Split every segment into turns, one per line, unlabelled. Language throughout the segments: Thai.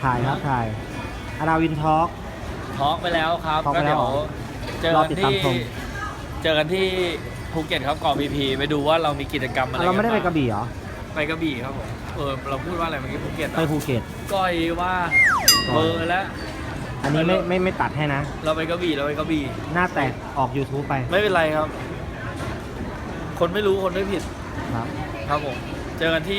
ถ่ายครับถ่ายอาราวินทอล์ก
ทอล์กไปแล้วครับ
ทอล์ก
ก็
ไปแล้
เดี๋
ว
ยวเจอ
รอ
กัน
ติดตาม
ที่
ชม
ภูเก็ตครับเกาะพีพีไปดูว่าเรามีกิจกรรมอะไร
เราไม่ได้ไปกระ
น
บี่เหรอ
ไปกระบี่ครับผมเราพูดว่าอะไรเมื่อกี้ภูเก็ต
ไปภูเก็ต
ก้อยว่าเบอร์แล้ว
อันนี้ไม่ตัดให้นะ
เราไปกระบี่เราไปกระบี่
หน้าแตกออก YouTube ไป
ไม่เป็นไรครับ คนไม่รู้คนไม่ผิด
ครับ
ครับผมเจอกันที่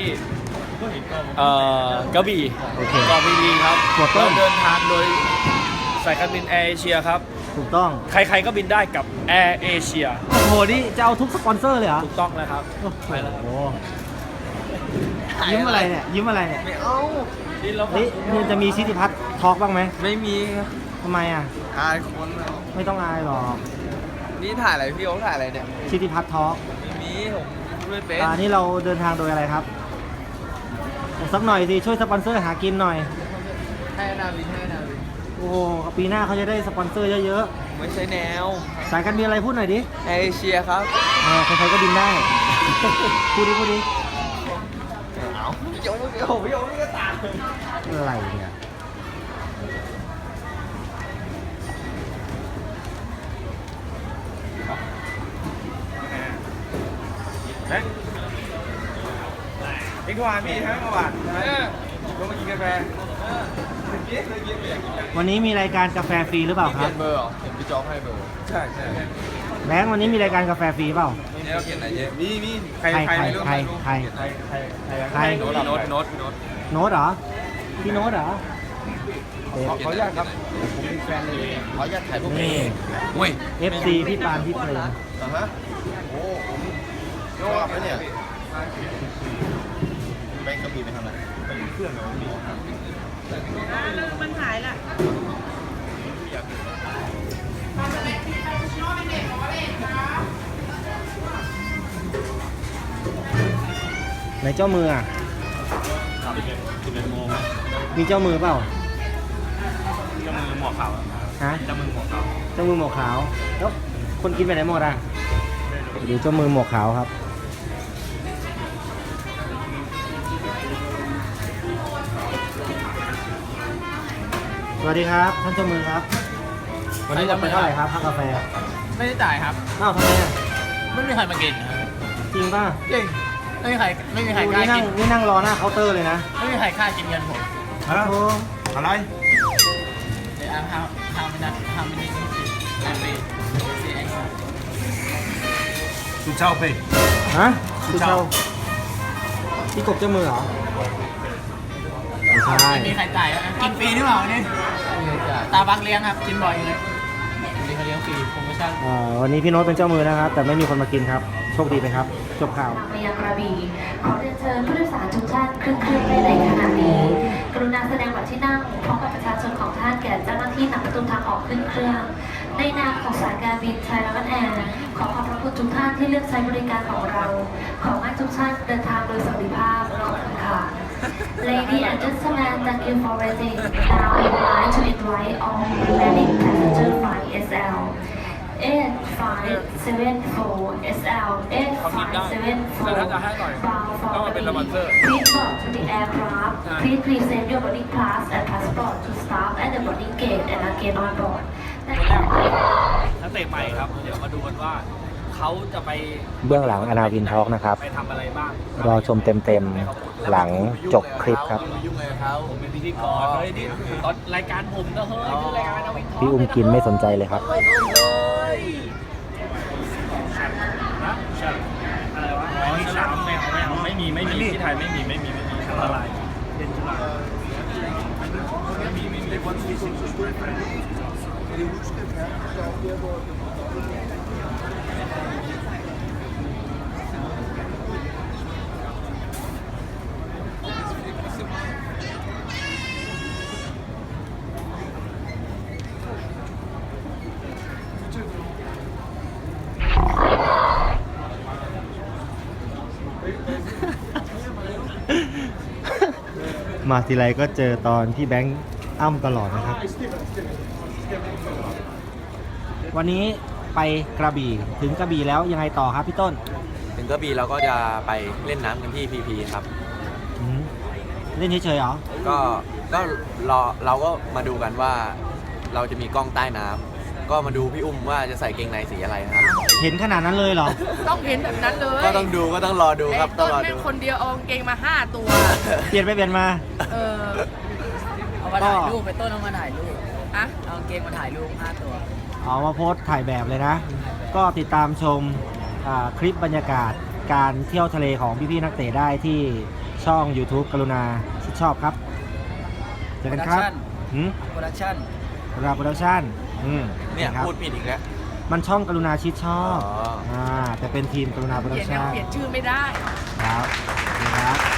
กระบี่
โอเค
เกาะพีพีครับ
หัวต้
เรา
น
เดินทางโดยสายการบินแอร์เอเชียครับ
ถูกต้อง
ใครๆก็บินได้กับแอร์เอเชีย
โอ้โห นี่จะเอาทุกสปอนเซอร์เลยเหรอ
ถูกต้องแล้วครับ
โอ้
ไปแล้วครับ
โหยิ้มอะไรเนี่ย ยิ้มอะไรเนี่ย
ไม่เอา
นี่เรา
เฮ้ยมันจะมีชิติพัฒน์ทอล์กบ้างไหม
ไม่มี
ทำไมอ่ะ
อายคนแล้ว
ไม่ต้องอายหรอก
นี่ถ่ายอะไรพี่โอ๊คถ่ายอะไรเนี่ย
ชิติพัฒน์ทอล์ก
ไม่มีผมพูดไม่เป็น
นี่เราเดินทางโดยอะไรครับสักหน่อยสิ ช่วยสปอนเซอร์หากินหน่อย
ให้นาวินให้นาวิน
โอ้โห ปีหน้าเขาจะได้สปอนเซอร์เยอะ
ไม่ใช่แนว
ๆ สายการบินอะไรพูดหน่อยดิ
แอร์เอเชียครับ
ใครๆก็บินได้ พูดดิพูดดิ
เอาพี่โอ๊คพี่โอ๊คพี่โอ๊คนี่ก็ตาม
อะไรเนี่ย
เอ็กซ์วานพี่ทั้งวันลงมากินกาแฟ
วันนี้มีรายการกาแฟฟรีหรือเปล่าค
เปลี่
รั
ย
บ
นเบอร์เหรอเห็นพี่จ๊อบให้เบอร์ ใช่ใช่
แบงค์วันนี้มีรายการกาแฟฟรีเปล่า
นี่เราเปลี่ยนอะไรเยอะมีใคร
ใคร
ไม่รู้
ใคร
ใคร
ใคร
โน้ตโน้ตโน้ต
โน้ตเหรอ พี่โน้ตเหรอ
ขออนุญาตครับผมเป็นแฟนเลยขออนุญาตถ่ายรูป
นี่
เว้ย
FC พี่ปานพี่เพลิน
ฮะโอ้ผมชอบนะเนี่ยแบงก์กระบี่ไปทำอะไรไปเครื่องเหรอ
แล้วมันหายละ
ไหนเจ้ามืออ่ะ มีเจ้ามือเปล่า
เจ้ามือหมวกขาว
ฮะ
เจ้ามือหมวกขาว
เจ้ามือหมวกขาว แล้วคนกินไปไหนหมดอ่ะดูเจ้ามือหมวกขาวครับ สวัสดีครับท่านเจ้ามือครับ วันนี้เราไปเท่าไหร่ครับค่ากาแฟ
ไม่ได้จ่ายครับ
อ้าวทำไมอ่ะ
ไม่มีใครมากินครับ
จริงป่ะ
จริงไม่มีใครกล้า
นี่นั่
กิ
ง
น
นี่นั่งรอหน้าเคาน์เตอร์เลยนะ
ไม่มีใครกล้ากินเงินผม
โอ้โห
อะไร
เดี๋ยวhow many I pay CX
สุเช่าไป
ฮะคือเช่าพี่กบเจ้ามือเหรอไม่ใช่
ไม่มีใครจ่ายกินฟรีหรือเปล่านี่ตาบักเลี้ยงครับกินบ่อยเลยนี่เขาเลี้ยงฟรีโปรโมชั่น
วันนี้พี่โน้ตเป็นเจ้ามือนะครับ แต่ไม่มีคนมากินครับ โชคดีไปครับ จบข่าว
ไปยังกระบี่ขอเรียนเชิญผู้โดยสารทุกท่านขึ้นเครื่องได้ในขณะนี้ กรุณาแสดงบัตรที่นั่งพร้อมกับประชาชนของท่านแก่เจ้าหน้าที่นำประตูทางออกขึ้นเครื่อง ในนามของสายการบินไทยรัฐแอร์ขอขอบพระคุณทุกท่านที่เลือกใช้บริการของเรา ขอให้ทุกท่านเดินทางโดยสวัสดิภาพขอบคุณค่ะ Ladies and gentlemen, thank you for waiting. Now I would like to invite all remaining passengers by SL 8574 SL 8574 bound for Gabby. Please board to the aircraft. Please present your boarding pass and passport to staff at the boarding gate and again on board.
นักเตะใหม่ครับ เดี๋ยวมาดูกันว่าเขาจะไป
เบื้องหลังอนาวินทอล์กนะครับ
ไปทำอะไรบ้าง
รอชมเต็มๆ หลังจบคลิปครับ
ยุ่งอะไรเขา
ผมเป็นพิธีกรเฮ้ยนี่ตอนรายการผมนะเฮ้ยคือรายการนาวินทอล์ก
พี่อุ้มกินไม่สนใจเลยครับ
นะอะไรวะอ๋อฉลามไม่เอาไม่มีที่ไทยไม่มีอะไรเป็นฉลามไม่มี
มาทีไรก็เจอตอนที่แบงค์อ้ำตลอดนะครับ วันนี้ไปกระบี่ถึงกระบี่แล้วยังไงต่อครับพี่ต้น
ถึงกระบี่เราก็จะไปเล่นน้ำกันที่พีพีครับ
อืมเล่นเฉยๆเหรอ
ก็เราก็มาดูกันว่าเราจะมีกล้องใต้น้ำก็มาดูพี่อุ้มว่าจะใส่เกงในสีอะไรนะครับ
เห็นขนาดนั้นเลยเหรอ
ต้องเห็นแบบนั้นเลย
ก็ต้องดูก็ต้องรอดูครับ
ไอ้
ต้
ต้
อง
น
รอ
แม่
ดู
งคนเดียวเอากางเกงมา 5 ตัว
เปลี่ยนไปเปลี่ยนมา
เออ
เอามาถ่ายรูปไปต้นเอามาถ่ายรูป
อะ
เอากางเกงมาถ่ายรูป5 ตัว
เอามาโพสต์ถ่ายแบบเลยนะ ก็ติดตามชมคลิปบรรยากาศการเที่ยวทะเลของพี่ๆนักเตะได้ที่ช่อง YouTube กรุณาชิดชอบครับเจอกันครับ
โปรดักชั่น
กรุณาโปรดักชั่น
เนี่ย
ครับ
พูดผิดอีกแล้ว
มันช่องกรุณาชิดชอบ
อ๋อ
แต่เป็นทีมกรุณาโปร
เป
ดั
ลี่
ก
ยน
ชั่น
เปลี่ยนชื่อไม่ได้
ครับนี่ครับ